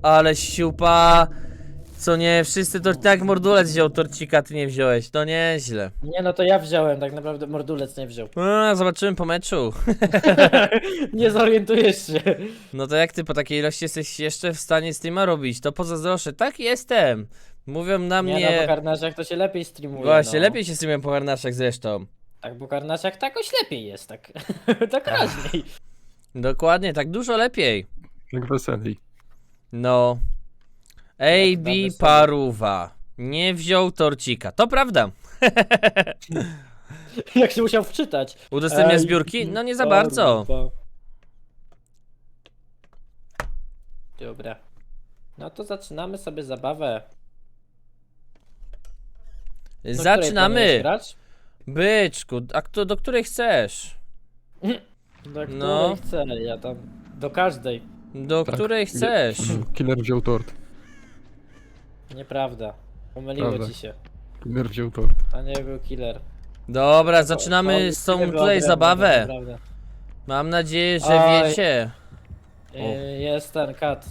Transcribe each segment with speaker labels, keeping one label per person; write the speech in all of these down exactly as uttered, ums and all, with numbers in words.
Speaker 1: Ale siupa. Co nie, wszyscy to tak Mordulec wziął torcika, ty nie wziąłeś, to nieźle.
Speaker 2: Nie no to ja wziąłem, tak naprawdę Mordulec nie wziął.
Speaker 1: A, zobaczymy po meczu.
Speaker 2: Nie zorientujesz się.
Speaker 1: No to jak ty po takiej ilości jesteś jeszcze w stanie streama robić, to pozazdroszczę. Tak jestem. Mówią na
Speaker 2: Nie
Speaker 1: mnie...
Speaker 2: no, po karnaciach to się lepiej streamuje.
Speaker 1: Właśnie,
Speaker 2: no.
Speaker 1: lepiej się streamuje po harnaszach zresztą.
Speaker 2: Tak, po karnaciach tak jakoś lepiej jest, tak. Tak raźniej.
Speaker 1: Dokładnie, tak dużo lepiej.
Speaker 3: Jak weselej.
Speaker 1: No. A
Speaker 2: Jak
Speaker 1: B
Speaker 2: nawet sobie.
Speaker 1: Paruwa nie wziął torcika, to prawda.
Speaker 2: Jak się musiał wczytać.
Speaker 1: Udostępnia
Speaker 2: Ej,
Speaker 1: zbiórki? No nie za bardzo.
Speaker 2: Paruwa. Dobra. No to zaczynamy sobie zabawę. Do której planujesz
Speaker 1: Zaczynamy.
Speaker 2: grać?
Speaker 1: Byczku, a kto, do której chcesz?
Speaker 2: Do której
Speaker 1: No.
Speaker 2: chcę, ja tam... Do każdej.
Speaker 1: Do
Speaker 3: Tak.
Speaker 1: której chcesz?
Speaker 3: Killer wziął tort.
Speaker 2: Nieprawda. Pomyliło
Speaker 3: Prawda.
Speaker 2: ci się.
Speaker 3: Killer wziął tort.
Speaker 2: To nie był killer.
Speaker 1: Dobra, zaczynamy
Speaker 2: To-
Speaker 1: z
Speaker 2: to
Speaker 1: tą
Speaker 2: killer był
Speaker 1: tutaj
Speaker 2: odrębny,
Speaker 1: zabawę.
Speaker 2: naprawdę.
Speaker 1: Mam nadzieję, że
Speaker 2: Oj.
Speaker 1: wiecie.
Speaker 2: Yy, Jest ten kat.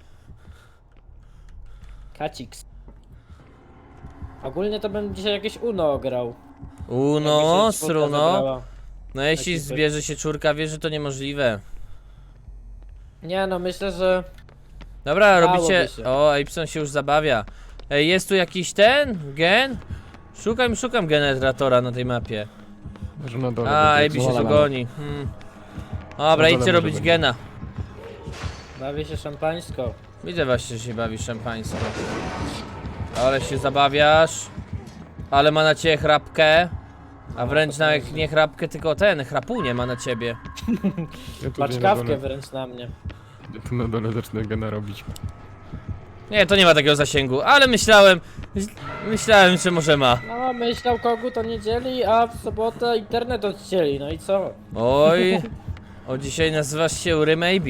Speaker 2: Kacix. Ogólnie to bym dzisiaj jakieś Uno grał.
Speaker 1: Uno,
Speaker 2: Jakby się czwórka
Speaker 1: sruno.
Speaker 2: zabrała.
Speaker 1: No jeśli
Speaker 2: Taki
Speaker 1: zbierze się czwórka, wie, że to niemożliwe.
Speaker 2: Nie no, myślę, że...
Speaker 1: Dobra,
Speaker 2: Dałoby
Speaker 1: robicie...
Speaker 2: się.
Speaker 1: O, Epson się już zabawia. Ej, jest tu jakiś ten? Gen? Szukam, szukam generatora na tej mapie.
Speaker 3: Że na dole.
Speaker 1: A,
Speaker 3: będzie
Speaker 1: Ebi się
Speaker 3: jak
Speaker 1: tu
Speaker 3: zwalone.
Speaker 1: goni. Hmm. Dobra,
Speaker 3: Na dole
Speaker 1: idźcie
Speaker 3: może
Speaker 1: robić
Speaker 3: być.
Speaker 1: gena.
Speaker 2: Bawię się szampańsko.
Speaker 1: Widzę właśnie, że się bawi szampańsko. Ale się zabawiasz. Ale ma na ciebie chrapkę. A wręcz nawet nie chrapkę, tylko ten, chrapunie ma na ciebie.
Speaker 3: Ja tu
Speaker 2: Patrz
Speaker 3: na
Speaker 2: kawkę
Speaker 3: dole-
Speaker 2: wręcz na mnie.
Speaker 3: Ja tu na dole zacznę gena robić.
Speaker 1: Nie, to nie ma takiego zasięgu, ale myślałem, myślałem, że może ma.
Speaker 2: No, myślał kogut o niedzieli, a w sobotę internet odcięli, no i co?
Speaker 1: Oj, o dzisiaj nazywasz się Ury Maybe.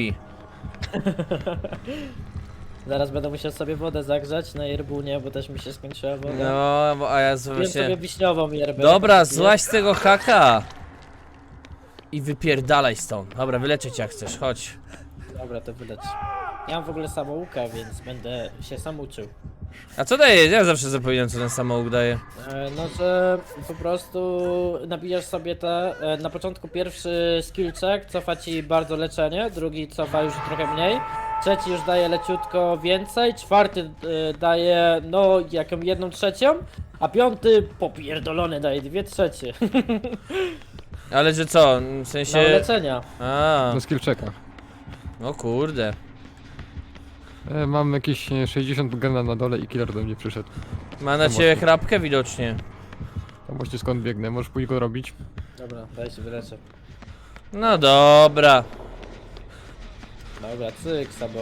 Speaker 2: Zaraz będę musiał sobie wodę zagrzać na yerbunie, bo też mi się skończyła woda.
Speaker 1: No, bo- a ja
Speaker 2: Wiem
Speaker 1: właśnie...
Speaker 2: sobie wiśniową yerbę.
Speaker 1: Dobra,
Speaker 2: jak
Speaker 1: złaź z tego haka. I wypierdalaj stąd. Dobra, wyleczę cię jak chcesz, chodź.
Speaker 2: jest. Dobra, to wyleć. Ja mam w ogóle samouka, więc będę się sam uczył.
Speaker 1: A co daje? Ja zawsze zapominam, co ten samouk daje.
Speaker 2: E, No, że po prostu nabijasz sobie te, e, na początku pierwszy skill check cofa ci bardzo leczenie, drugi cofa już trochę mniej, trzeci już daje leciutko więcej, czwarty e, daje no jaką jedną trzecią, a piąty popierdolony daje dwie trzecie.
Speaker 1: Ale że co? W
Speaker 2: No
Speaker 1: sensie...
Speaker 2: leczenia.
Speaker 1: A,
Speaker 3: Na skill checkach.
Speaker 1: o kurde.
Speaker 3: E, mam jakieś e, sześćdziesiąt gena na dole i killer do mnie przyszedł.
Speaker 1: Ma na
Speaker 3: To
Speaker 1: ciebie
Speaker 3: mocno.
Speaker 1: chrapkę widocznie.
Speaker 3: Tam właśnie skąd biegnę, możesz pójść go robić?
Speaker 2: Dobra, daj się wyleczę.
Speaker 1: No dobra.
Speaker 2: Dobra, cyk sabą,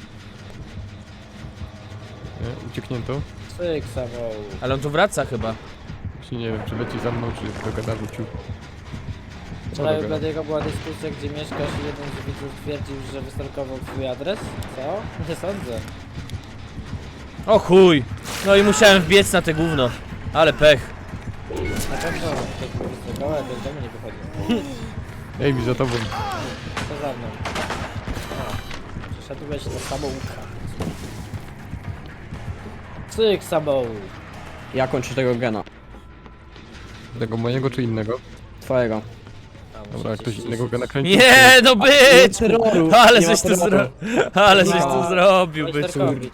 Speaker 3: Nie? Ucieknięto?
Speaker 2: cyk sabą.
Speaker 1: Ale on tu wraca chyba.
Speaker 3: Właśnie nie wiem, czy leci za mną, czy do gada wrócił.
Speaker 2: Wczoraj u
Speaker 3: dobra.
Speaker 2: Bladiego była dyskusja, gdzie mieszkasz i jeden z widzów twierdził, że wystalkował twój adres. Co? Nie sądzę.
Speaker 1: O chuj. No i musiałem wbiec na te gówno. Ale pech.
Speaker 2: Na pewno ktoś mi wystalkował, ale z domu nie wychodził.
Speaker 3: Ej, mi za tobą.
Speaker 2: Co za mną? A, przeszedłeś do samouka. Cyk samou.
Speaker 4: Ja kończę tego gena.
Speaker 3: Tego mojego czy innego?
Speaker 4: Twojego.
Speaker 2: A, muszę
Speaker 3: Dobra, jak
Speaker 2: cię
Speaker 3: ktoś
Speaker 2: ściślić.
Speaker 3: innego gena kręci.
Speaker 1: Nie, no być!
Speaker 4: terroru,
Speaker 1: Ale
Speaker 4: nie ma
Speaker 1: żeś tu
Speaker 4: terroru.
Speaker 1: zrobił. Ale żeś tu
Speaker 2: No.
Speaker 1: zrobił, byczku.
Speaker 2: Wojsterkowicz.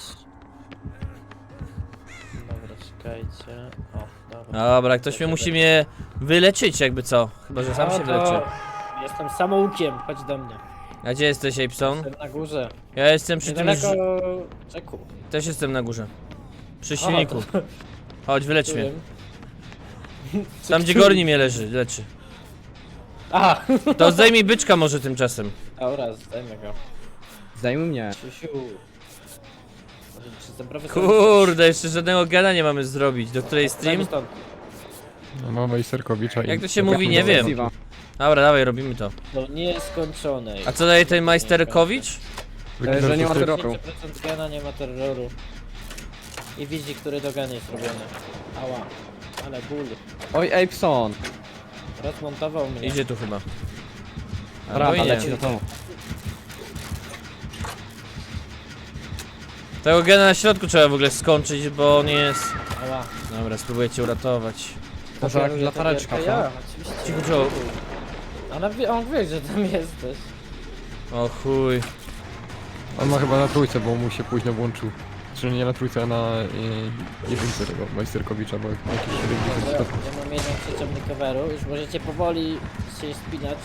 Speaker 2: Dobra, czekajcie. O, dobra.
Speaker 1: Dobra, ktoś mnie musi mnie wyleczyć jakby co. Chyba, że sam
Speaker 2: No
Speaker 1: się
Speaker 2: to
Speaker 1: wyleczy.
Speaker 2: Jestem samoukiem, chodź do mnie.
Speaker 1: A gdzie jesteś, Apson?
Speaker 2: Jestem na górze.
Speaker 1: Ja jestem przy tym...
Speaker 2: Niedaleko
Speaker 1: ż-
Speaker 2: czeku.
Speaker 1: Też jestem na górze. Przy
Speaker 2: O,
Speaker 1: silniku.
Speaker 2: to-
Speaker 1: Chodź, wylecz mnie.
Speaker 2: Którym?
Speaker 1: Tam gdzie Gorni mnie leży, leczy.
Speaker 2: A!
Speaker 1: To zdejmij byczka może tymczasem.
Speaker 2: Dobra, zdajmy go.
Speaker 4: Zdejmij mnie.
Speaker 2: Siusiu. Może czy jestem profesorem?
Speaker 1: Kurde, jeszcze żadnego gena nie mamy zrobić. Do której
Speaker 2: Dajmy
Speaker 1: stream?
Speaker 2: stąd.
Speaker 3: No, mamy Iserkowicza i...
Speaker 1: Jak to się mówi, nie wiem.
Speaker 4: Siwa.
Speaker 1: Dobra, dawaj, robimy to.
Speaker 2: Do nieskończonej.
Speaker 1: A co daje ten Majsterkowicz?
Speaker 4: E, że nie ma
Speaker 3: to jest-
Speaker 4: terroru.
Speaker 2: dziesięć procent gena, nie ma terroru. I widzi, który do gena jest robiony. Ała. Ale ból.
Speaker 4: Oj, Apson.
Speaker 2: Rozmontował mnie.
Speaker 1: Idzie tu chyba. Albo
Speaker 4: Prawda,
Speaker 1: i nie.
Speaker 4: leci do domu.
Speaker 1: Tego gena na środku trzeba w ogóle skończyć, bo on jest...
Speaker 2: Ała.
Speaker 1: Dobra, spróbuję cię uratować.
Speaker 4: Może jak
Speaker 2: Pokażę
Speaker 4: latareczka,
Speaker 2: to
Speaker 4: co?
Speaker 2: ja, oczywiście.
Speaker 1: Cicho, Joe.
Speaker 2: Ona wie, on wie, że tam jesteś.
Speaker 1: O chuj.
Speaker 3: On ma chyba na trójce, bo mu się późno włączył. Czy nie na trójce, a na y, jedynce tego Majsterkowicza, bo jakieś siedemdziesiąt
Speaker 2: Dobra,
Speaker 3: stopni.
Speaker 2: ja mam jedną trzecią recoveru, już możecie powoli się spinać.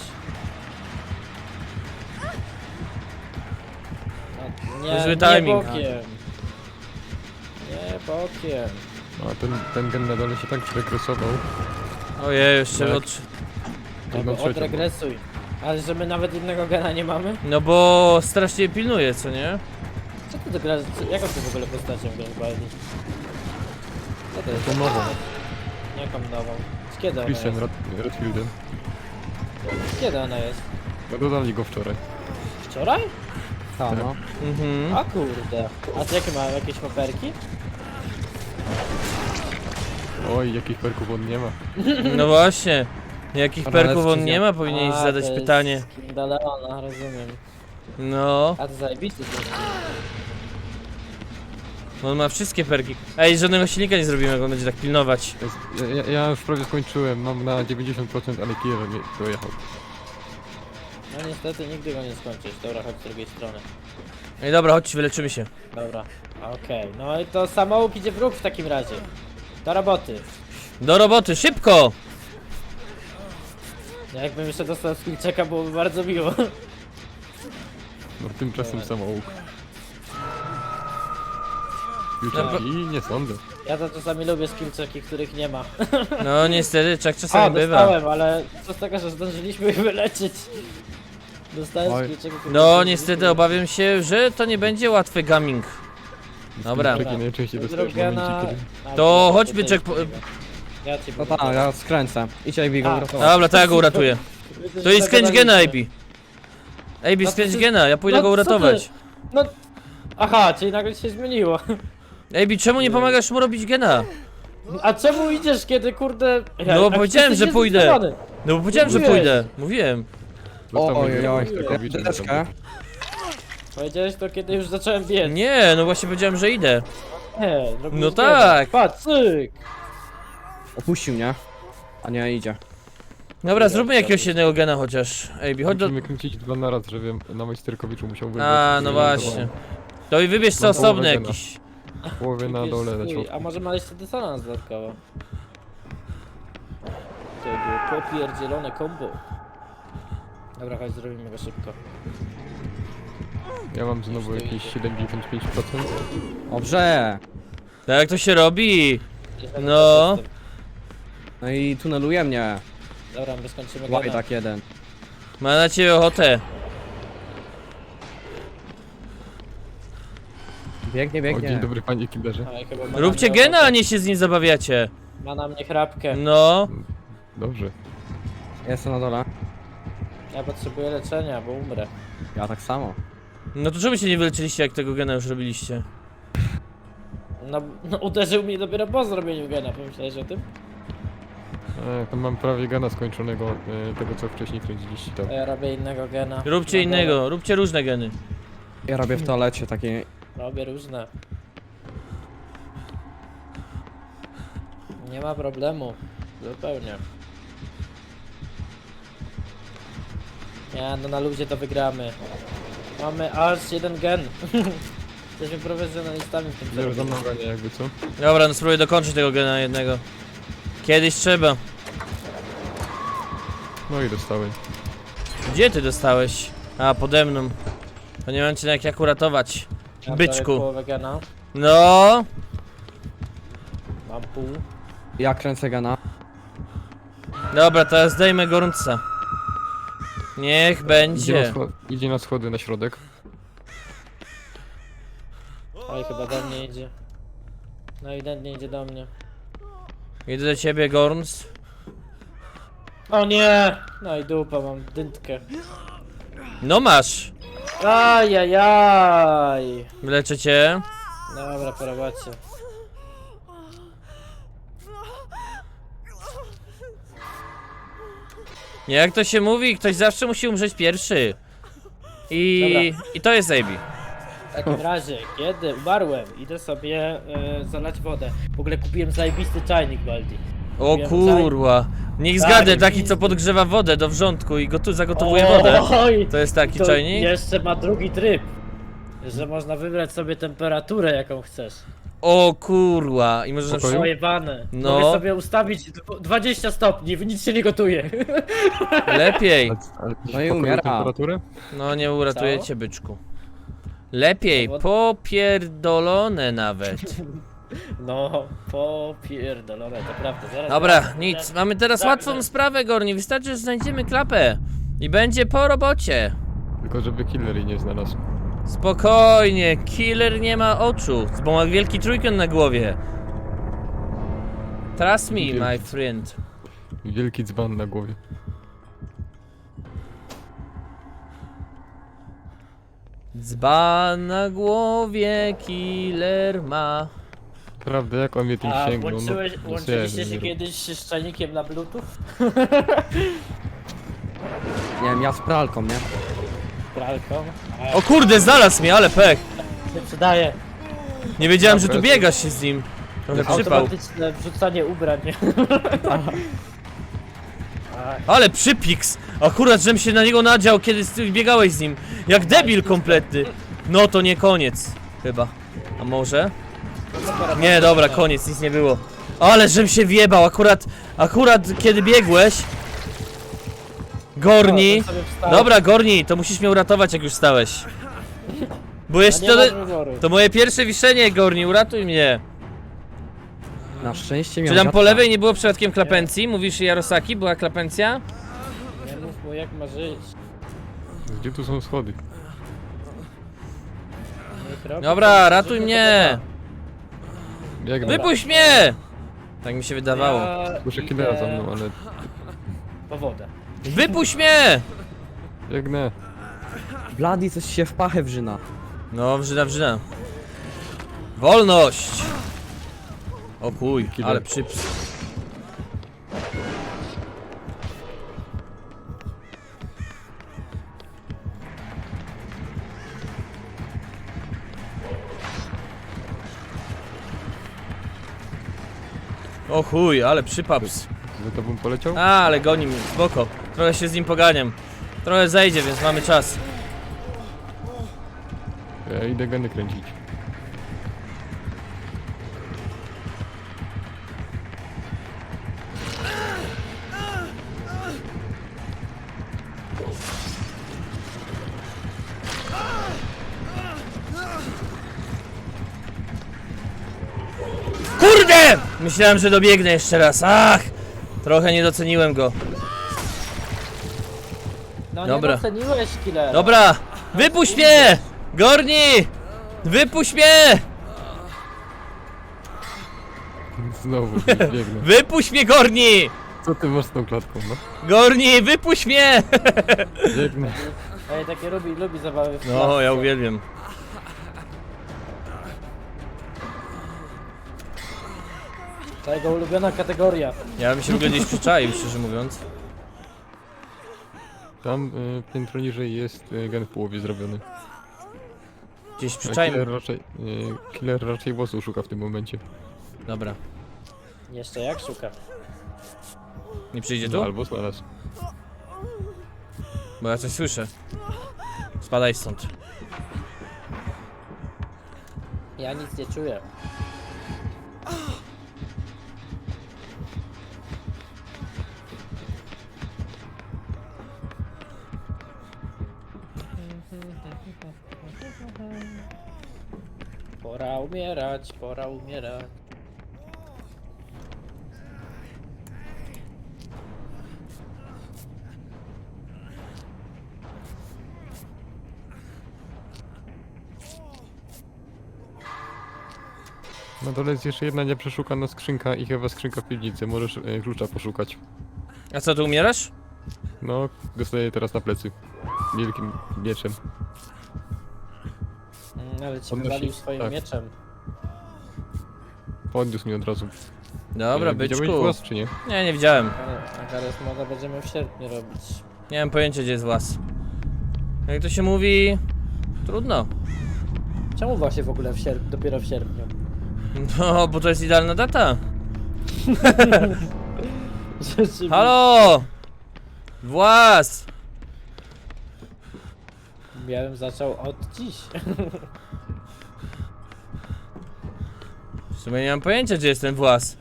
Speaker 2: No, nie,
Speaker 1: Zły
Speaker 2: nie
Speaker 1: timing.
Speaker 2: bokiem. Nie bokiem.
Speaker 3: A ten, ten gen na dole się tak zregresował.
Speaker 1: Ojej, jeszcze
Speaker 3: Tak.
Speaker 1: od...
Speaker 3: Jedną
Speaker 2: Albo
Speaker 3: trzecią.
Speaker 2: odregresuj. Ale że my nawet jednego gena nie mamy?
Speaker 1: No bo strasznie pilnuje, co nie?
Speaker 2: Co ty do gra... co- Jaką ty w ogóle postacią grasz, Baldi? Co to jest?
Speaker 3: Tą nową.
Speaker 2: Jaką nową? Z kiedy ona
Speaker 3: Christian
Speaker 2: jest?
Speaker 3: Red- Redfieldem.
Speaker 2: Z kiedy ona jest?
Speaker 3: No dodali go wczoraj.
Speaker 2: Wczoraj?
Speaker 4: Ta, no.
Speaker 1: Mhm.
Speaker 2: A kurde. A ty jakie ma? Jakieś paperki?
Speaker 3: Oj, jakich perków on nie ma.
Speaker 1: No właśnie. Jakich
Speaker 4: Dobra,
Speaker 1: perków on
Speaker 4: decyzja.
Speaker 1: nie ma, powinieneś
Speaker 2: A,
Speaker 1: zadać
Speaker 2: to jest
Speaker 1: pytanie.
Speaker 2: King Daleona, rozumiem.
Speaker 1: No,
Speaker 2: A to zajebisty jest.
Speaker 1: on ma wszystkie perki. Ej, żadnego silnika nie zrobimy, jak on będzie tak pilnować.
Speaker 3: Jest, ja, ja- ja już prawie skończyłem, mam na dziewięćdziesiąt procent, ale Kieler mnie dojechał.
Speaker 2: No niestety nigdy go nie skończysz. Dobra, chodź z drugiej strony.
Speaker 1: Ej, dobra, chodź, wyleczymy się.
Speaker 2: Dobra, okej. No i to samouk idzie w róg w takim razie. Do roboty.
Speaker 1: Do roboty, szybko!
Speaker 2: Ja jakbym jeszcze dostał skillczeka, byłoby bardzo miło.
Speaker 3: No tymczasem
Speaker 2: Dobra.
Speaker 3: samouk.
Speaker 1: Dobra.
Speaker 3: Future i nie sądzę.
Speaker 2: Ja to czasami lubię skillczeki, których nie ma.
Speaker 1: No niestety, tak
Speaker 2: A,
Speaker 1: czasami bywa.
Speaker 2: dostałem, ale co z tego, że zdążyliśmy ich wyleczyć. Dostałem
Speaker 3: Oj.
Speaker 2: skillczeka, których
Speaker 1: No
Speaker 2: zdążyliśmy
Speaker 1: niestety obawiam się, że to nie będzie łatwy gaming. Dobra.
Speaker 3: Takie najczęściej dostajesz w
Speaker 2: Drogena...
Speaker 3: momencie, kiedy...
Speaker 2: A,
Speaker 1: To
Speaker 2: dobra,
Speaker 1: chodźmy,
Speaker 2: to
Speaker 1: check po-
Speaker 2: jest Ja cię
Speaker 4: No tak, ja skręcę. Idź Ivy go
Speaker 2: A.
Speaker 4: uratować.
Speaker 1: Dobra, to ja go uratuję. To i skręć gena, A B. A B,
Speaker 2: No
Speaker 1: skręć
Speaker 2: to-
Speaker 1: gena, ja pójdę
Speaker 2: no
Speaker 1: go
Speaker 2: co
Speaker 1: uratować.
Speaker 2: ty? No... Aha, czyli nagle się zmieniło.
Speaker 1: A B, czemu nie pomagasz mu robić gena?
Speaker 2: A czemu idziesz, kiedy kurde... Ja,
Speaker 1: No bo
Speaker 2: a
Speaker 1: powiedziałem,
Speaker 2: jesteś
Speaker 1: że pójdę.
Speaker 2: niezdecydowany.
Speaker 1: No bo powiedziałem, że
Speaker 2: Mówiłeś.
Speaker 1: pójdę. Mówiłem.
Speaker 3: Został
Speaker 4: Oj,
Speaker 3: mnie
Speaker 4: oj, oj.
Speaker 3: Majsterkowicz.
Speaker 4: Deskę.
Speaker 2: Powiedziałeś to, kiedy już zacząłem biec.
Speaker 1: Nie, no właśnie powiedziałem, że idę.
Speaker 2: Nie, zrobiłeś
Speaker 1: No
Speaker 2: bieda.
Speaker 1: tak.
Speaker 2: Patrz, cyk.
Speaker 4: Opuścił mnie. A nie, idzie.
Speaker 1: Dobra, zróbmy jakiegoś jednego gena chociaż. A B, chodź do...
Speaker 3: Musimy kręcić dwa na raz, żebym na Majsterkowiczu musiał wybrać.
Speaker 1: A, no właśnie. To i wybierz co
Speaker 3: Mam połowę
Speaker 1: osobny
Speaker 3: gena.
Speaker 1: jakiś.
Speaker 3: Połowy na
Speaker 2: Jakiś
Speaker 3: dole, na
Speaker 2: swój.
Speaker 3: środku.
Speaker 2: A może ma jeszcze dysonans dodatkowo? To było popierdzielone combo. Dobra, chodź, zrobimy go szybko.
Speaker 3: Ja mam znowu jakieś siedemdziesiąt pięć procent.
Speaker 4: Dobrze.
Speaker 1: Tak jak to się robi.
Speaker 2: Jestem
Speaker 1: No.
Speaker 2: na
Speaker 4: No i tuneluje mnie.
Speaker 2: Dobra, my skończymy
Speaker 4: Łaj
Speaker 2: gena.
Speaker 4: tak jeden.
Speaker 1: Ma na ciebie ochotę.
Speaker 4: Biegnie,
Speaker 3: O, dzień
Speaker 4: biegnie.
Speaker 3: dobry panie killerze.
Speaker 2: Oj, chyba ma na
Speaker 1: Róbcie
Speaker 2: mnie
Speaker 1: gena, a
Speaker 2: ochotę.
Speaker 1: nie się z nim zabawiacie.
Speaker 2: Ma na mnie chrapkę.
Speaker 1: No.
Speaker 3: Dobrze.
Speaker 4: Jestem na dole.
Speaker 2: Ja potrzebuję leczenia, bo umrę.
Speaker 4: Ja tak samo.
Speaker 1: No to czemu się nie wyleczyliście, jak tego gena już robiliście?
Speaker 2: No, no uderzył mnie dopiero po zrobieniu gena, pomyślałeś o tym?
Speaker 3: E, tam mam prawie gana skończonego, e, tego co wcześniej kręciliście tam.
Speaker 2: To ja robię innego gena.
Speaker 1: Róbcie
Speaker 2: Na
Speaker 1: innego, róbcie różne geny.
Speaker 4: Ja robię w toalecie takiej.
Speaker 2: dole. Robię różne. Nie ma problemu. Zupełnie. Nie, no na ludzie to wygramy. Mamy aż jeden gen. Jesteśmy profesjonalistami w tym
Speaker 3: Zero za
Speaker 2: zrobieniu.
Speaker 3: mną gania jakby co?
Speaker 1: Dobra, no spróbuję dokończyć tego gena jednego. Kiedyś trzeba.
Speaker 3: No i dostałem.
Speaker 1: Gdzie ty dostałeś? A, pode mną. To nie mam cię jak jak uratować.
Speaker 2: Ja prawie
Speaker 1: Byczku.
Speaker 2: połowę gena.
Speaker 1: No.
Speaker 2: Mam pół.
Speaker 4: Ja kręcę gana.
Speaker 1: Dobra, teraz zdejmę gorąca. Niech
Speaker 3: Idzie na,
Speaker 1: będzie.
Speaker 3: scho- idzie na schody na środek.
Speaker 2: Oj, chyba do mnie idzie. No ewidentnie idzie do mnie.
Speaker 1: Idę do ciebie, Gorns.
Speaker 2: O nie! No i dupa, mam dyntkę.
Speaker 1: No masz.
Speaker 2: Ajajaj!
Speaker 1: Leczę cię.
Speaker 2: Dobra, po robocie.
Speaker 1: Jak to się mówi, ktoś zawsze musi umrzeć pierwszy. I,
Speaker 2: Dobra.
Speaker 1: i to jest A B.
Speaker 2: W takim razie, kiedy umarłem, idę sobie e, zalać wodę. W ogóle kupiłem zajebisty czajnik, Baldi.
Speaker 1: O
Speaker 2: Kupiłem
Speaker 1: kurwa. Niech
Speaker 2: Tak,
Speaker 1: zgadę, taki
Speaker 2: zajebisty.
Speaker 1: co podgrzewa wodę do wrzątku i gotu zagotowuje wodę.
Speaker 2: Oj,
Speaker 1: To jest taki
Speaker 2: to
Speaker 1: czajnik?
Speaker 2: jeszcze ma drugi tryb. Że można wybrać sobie temperaturę, jaką chcesz.
Speaker 1: O kurwa. I możesz na
Speaker 3: Pokoju?
Speaker 1: przykład...
Speaker 2: Pojebane.
Speaker 1: No.
Speaker 2: Mogę sobie ustawić dw- dwadzieścia stopni, nic się nie gotuje.
Speaker 1: Lepiej.
Speaker 3: A- ale
Speaker 4: No i
Speaker 3: pokoju
Speaker 4: umiera.
Speaker 3: temperaturę?
Speaker 1: No nie uratuje
Speaker 2: Co?
Speaker 1: cię, byczku. Lepiej,
Speaker 2: Powod-
Speaker 1: popierdolone nawet.
Speaker 2: No, popierdolone, to prawda. Zaraz
Speaker 1: Dobra,
Speaker 2: zaraz-
Speaker 1: nic.
Speaker 2: zaraz-
Speaker 1: Mamy teraz
Speaker 2: zaraz-
Speaker 1: łatwą sprawę, Gorni. Wystarczy, że znajdziemy klapę. I będzie po robocie.
Speaker 3: Tylko żeby killer jej nie znalazł.
Speaker 1: Spokojnie, killer nie ma oczu, bo ma wielki trójkąt na głowie. Trust me, my friend.
Speaker 3: Wielki dzban na głowie.
Speaker 1: Dzban na głowie killer ma.
Speaker 3: Prawda, jak on mnie tym
Speaker 2: A
Speaker 3: sięgnął?
Speaker 2: łączyłeś,
Speaker 3: no,
Speaker 2: łączyliście się
Speaker 3: nie,
Speaker 2: kiedyś z czajnikiem na bluetooth?
Speaker 4: Nie wiem, ja z pralką, nie?
Speaker 2: Pralką?
Speaker 1: O kurde, znalazł mnie, ale pech.
Speaker 2: Nie przydaje.
Speaker 1: Nie wiedziałem, że tu
Speaker 3: Dobra.
Speaker 1: biegasz się z nim. Trochę przypał.
Speaker 2: Automatyczne wrzucanie ubrań.
Speaker 1: Ale przypiks! Akurat, żem się na niego nadział, kiedy z- biegałeś z nim. Jak debil kompletny. No to nie koniec. Chyba. A może? Nie, dobra, koniec, nic nie było. Ale żem się wjebał, akurat, akurat kiedy biegłeś. Gorni. Dobra, Gorni, to musisz mnie uratować, jak już stałeś. Bo jeszcze to, to moje pierwsze wiszenie, Gorni, uratuj mnie.
Speaker 4: Na szczęście
Speaker 1: Czy
Speaker 4: miał
Speaker 1: tam po
Speaker 4: dziadka.
Speaker 1: lewej nie było przypadkiem klapencji? Mówisz Jarosaki, była klapencja?
Speaker 2: Nie mów mu jak ma żyć.
Speaker 3: Gdzie tu są schody?
Speaker 2: Niech robi
Speaker 1: Dobra,
Speaker 2: to,
Speaker 1: ratuj
Speaker 2: żeby
Speaker 1: mnie!
Speaker 3: Biegnę.
Speaker 1: Wypuść mnie! Tak mi się wydawało.
Speaker 2: Ja
Speaker 3: Słyszę
Speaker 2: idę
Speaker 3: killera za mną, ale...
Speaker 2: Po wodę.
Speaker 1: Wypuść mnie!
Speaker 3: Biegnę.
Speaker 4: Blady coś się w pachę wrzyna.
Speaker 1: No, wrzyna, wrzyna. Wolność! O kuj,
Speaker 3: Killer.
Speaker 1: ale przyps. O chuj, ale przypaps.
Speaker 3: Za tobą poleciał?
Speaker 1: A, ale goni mnie, spoko. Trochę się z nim poganiam. Trochę zejdzie, więc mamy czas.
Speaker 3: Ja idę geny kręcić.
Speaker 1: Kurde! Myślałem, że dobiegnę jeszcze raz. Ach! Trochę nie doceniłem go.
Speaker 2: No
Speaker 1: Dobra.
Speaker 2: nie doceniłeś killera.
Speaker 1: Dobra! Wypuść mnie! Gorni! Wypuść mnie!
Speaker 3: Znowu biegnę.
Speaker 1: Wypuść mnie, Gorni!
Speaker 3: Co ty masz z tą klatką, no?
Speaker 1: Gorni, wypuść mnie!
Speaker 3: Biegnę.
Speaker 2: Ej, takie lubi, lubi zabawy w
Speaker 1: No,
Speaker 2: klatce.
Speaker 1: ja uwielbiam.
Speaker 2: To jego ulubiona kategoria.
Speaker 1: Ja bym się w ogóle gdzieś przyczaił, szczerze mówiąc.
Speaker 3: Tam y, piętro niżej jest y, gen w połowie zrobiony.
Speaker 1: Gdzieś
Speaker 3: A
Speaker 1: przyczaił.
Speaker 3: Killer raczej, y, killer raczej bosu szuka w tym momencie.
Speaker 1: Dobra.
Speaker 2: Jeszcze jak szuka.
Speaker 1: Nie przyjdzie
Speaker 3: No,
Speaker 1: tu?
Speaker 3: albo znalazł.
Speaker 1: Bo ja coś słyszę. Spadaj stąd.
Speaker 2: Ja nic nie czuję. Pora umierać, pora umierać.
Speaker 3: Na dole jest jeszcze jedna nieprzeszukana skrzynka i chyba skrzynka w piwnicy. Możesz y, klucza poszukać.
Speaker 1: A co, ty umierasz?
Speaker 3: No, dostaję teraz na plecy. Wielkim mieczem.
Speaker 2: Mm, ale cię
Speaker 3: Podnosi-
Speaker 2: wywalił swoim
Speaker 3: tak.
Speaker 2: mieczem.
Speaker 3: Podniósł mi od razu.
Speaker 1: Dobra,
Speaker 3: Y, widziałeś
Speaker 1: byczku.
Speaker 3: głos, czy nie?
Speaker 1: Nie, nie widziałem.
Speaker 2: Ale Gareth moda będziemy w sierpniu robić.
Speaker 1: Nie mam pojęcia, gdzie jest włas. Jak to się mówi... Trudno.
Speaker 2: Czemu właśnie w ogóle w sierp dopiero w sierpniu?
Speaker 1: No, bo to jest idealna data.
Speaker 2: Rzeczywiście.
Speaker 1: Halo! Włas!
Speaker 2: Ja bym zaczął od dziś.
Speaker 1: W sumie nie mam pojęcia, gdzie jest ten włas.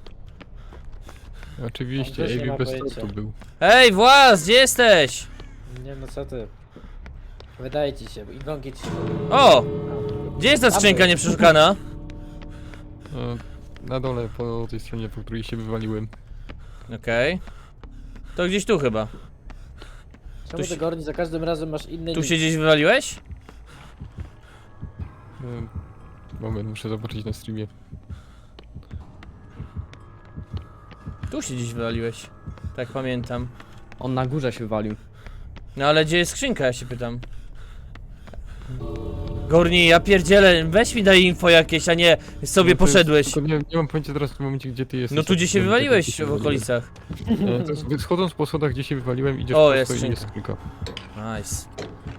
Speaker 3: Oczywiście,
Speaker 2: On też nie ma
Speaker 3: Ewi bez
Speaker 2: pojęcia.
Speaker 3: tortu był.
Speaker 1: Hej, włas, gdzie jesteś?
Speaker 2: Nie no co ty. Wydaje ci się, i gongi ci się.
Speaker 1: O! Gdzie jest ta skrzynka nieprzeszukana?
Speaker 3: E, Na dole, po tej stronie, po której się wywaliłem.
Speaker 1: Okej. To gdzieś tu chyba.
Speaker 2: Czemu
Speaker 1: się-
Speaker 2: ty Gorni za każdym razem masz inny
Speaker 1: Tu
Speaker 2: nick?
Speaker 1: się gdzieś wywaliłeś?
Speaker 3: E, Moment, muszę zobaczyć na streamie.
Speaker 1: Tu się gdzieś wywaliłeś. Tak pamiętam.
Speaker 4: On na górze się wywalił.
Speaker 1: No ale gdzie jest skrzynka, ja się pytam. Gorni, ja pierdzielę, weź mi daj info jakieś, a nie sobie
Speaker 3: No to jest-
Speaker 1: poszedłeś.
Speaker 3: Tylko nie, nie mam pojęcia teraz w tym momencie, gdzie ty jesteś.
Speaker 1: No tu gdzie się
Speaker 3: Jak-
Speaker 1: wywaliłeś
Speaker 3: gdzie się
Speaker 1: w
Speaker 3: wywaliłem.
Speaker 1: okolicach.
Speaker 3: E, to jest- Schodząc po schodach, gdzie się wywaliłem, idziesz
Speaker 1: O,
Speaker 3: prosto
Speaker 1: jest
Speaker 3: i
Speaker 1: skrzynka.
Speaker 3: jest skrzynka.
Speaker 1: Nice.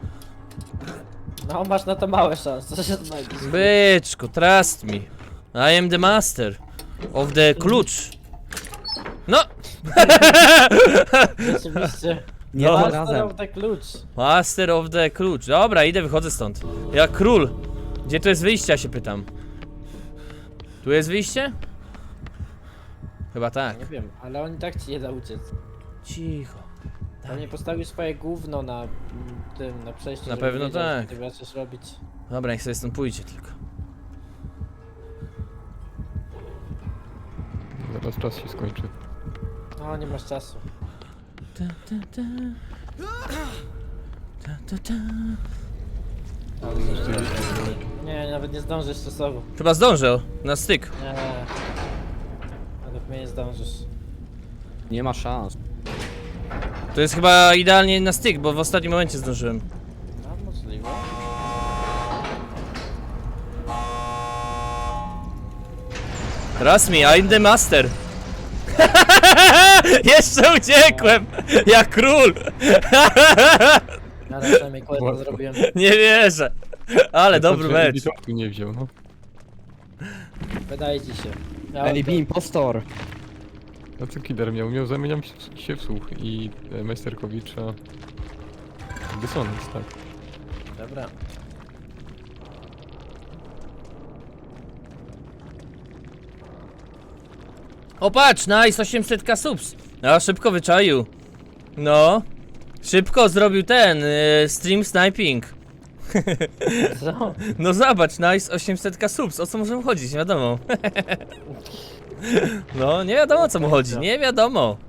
Speaker 2: No masz na to małe szanse, że się znajdziesz.
Speaker 1: Byczku, trust me. I am the master of the klucz. No!
Speaker 2: Rzeczywiście.
Speaker 4: Nie
Speaker 1: No.
Speaker 4: ma
Speaker 2: Master
Speaker 4: razem.
Speaker 2: of the klucz.
Speaker 1: Master of the klucz. Dobra, idę, wychodzę stąd. Jak król. Gdzie tu jest wyjście, ja się pytam. Tu jest wyjście? Chyba tak.
Speaker 2: Nie wiem, ale on i tak ci nie da uciec.
Speaker 1: Cicho.
Speaker 2: On nie postawił swoje gówno na mm, tym, na przejściu.
Speaker 1: Na
Speaker 2: żeby
Speaker 1: pewno
Speaker 2: wiedział,
Speaker 1: tak.
Speaker 2: co ty zaczniesz robić.
Speaker 1: Dobra, niech sobie stąd pójdzie tylko.
Speaker 3: Zaraz czas się skończy.
Speaker 2: No, nie masz czasu.
Speaker 1: Ta, ta, ta. Ta, ta, ta.
Speaker 2: Nie, nawet nie zdążysz czasowo.
Speaker 1: Chyba zdążę na styk.
Speaker 2: Nie. Nawet mnie nie zdążysz.
Speaker 4: Nie ma szans.
Speaker 1: To jest chyba idealnie na styk, bo w ostatnim momencie zdążyłem.
Speaker 2: No, możliwe.
Speaker 1: Trust me, I'm the master. Jeszcze uciekłem! Jak król!
Speaker 2: Ja przynajmniej questa
Speaker 3: Łatwo.
Speaker 2: zrobiłem.
Speaker 1: Nie wierzę. Ale dobry
Speaker 3: Patrzę,
Speaker 1: mecz.
Speaker 3: Ewi tortu nie wziął, no.
Speaker 2: Wydaje ci się. Ja
Speaker 4: Eli B impostor.
Speaker 3: A co Killer miał? Miał zamieniam się, się w słuch i e, Majsterkowicza... Dysonans, tak.
Speaker 2: Dobra.
Speaker 1: O patrz, nice, osiemset ka subs. A szybko wyczaił. No. Szybko zrobił ten, y, stream sniping.
Speaker 2: Co?
Speaker 1: No zobacz, nice, osiemset ka subs. O co może mu chodzić? Nie wiadomo. No, nie wiadomo o co mu chodzi, nie wiadomo.